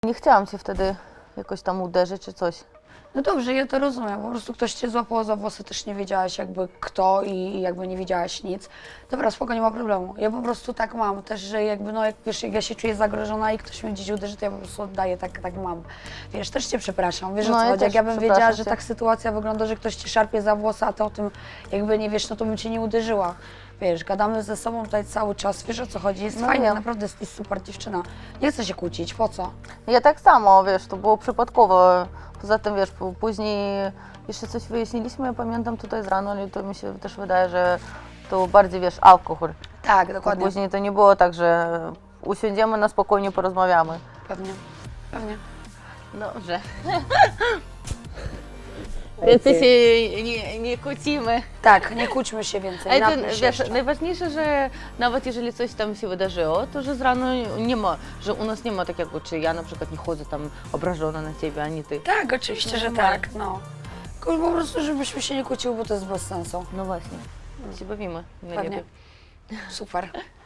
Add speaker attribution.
Speaker 1: Nie chciałam cię wtedy jakoś tam uderzyć czy coś.
Speaker 2: No dobrze, ja to rozumiem, po prostu ktoś cię złapał za włosy, też nie wiedziałaś jakby kto i jakby nie wiedziałaś nic. Dobra, spoko, nie ma problemu. Ja po prostu tak mam też, że jakby no jak wiesz, jak ja się czuję zagrożona i ktoś mnie gdzieś uderzy, to ja po prostu oddaję, tak mam. Wiesz, też cię przepraszam, wiesz o
Speaker 1: No,
Speaker 2: co
Speaker 1: ja
Speaker 2: chodzi, jak
Speaker 1: też
Speaker 2: ja bym wiedziała,
Speaker 1: przepraszam
Speaker 2: że
Speaker 1: cię.
Speaker 2: tak sytuacja wygląda, że ktoś ci szarpie za włosy, a ty o tym jakby nie wiesz, no to bym cię nie uderzyła. Wiesz, gadamy ze sobą tutaj cały czas, wiesz o co chodzi, jest
Speaker 1: No
Speaker 2: fajnie,
Speaker 1: wiem.
Speaker 2: naprawdę jest super dziewczyna. Nie chcę się kłócić, po co?
Speaker 1: Ja tak samo, wiesz, to było przypadkowo. Poza tym, wiesz, później jeszcze coś wyjaśniliśmy, ja pamiętam tutaj z rano, ale to mi się też wydaje, że to bardziej, wiesz, alkohol.
Speaker 2: Tak, dokładnie.
Speaker 1: Później to nie było tak, że usiądziemy na spokojnie, porozmawiamy.
Speaker 2: Pewnie, pewnie.
Speaker 1: Dobrze. Więcej się nie kłócimy.
Speaker 2: Tak, nie kłóćmy się więcej,
Speaker 1: Ale to,
Speaker 2: napij się
Speaker 1: wiesz,
Speaker 2: jeszcze.
Speaker 1: najważniejsze, że nawet jeżeli coś tam się wydarzyło, to że z rano nie ma, że u nas nie ma takiego, czy ja na przykład nie chodzę tam obrażona na ciebie, ani ty.
Speaker 2: Tak, oczywiście, że tak, no. Tylko po prostu, żebyśmy się nie kłóciły, bo to jest bez sensu.
Speaker 1: No właśnie, się bawimy najlepiej.
Speaker 2: Pewnie. Super.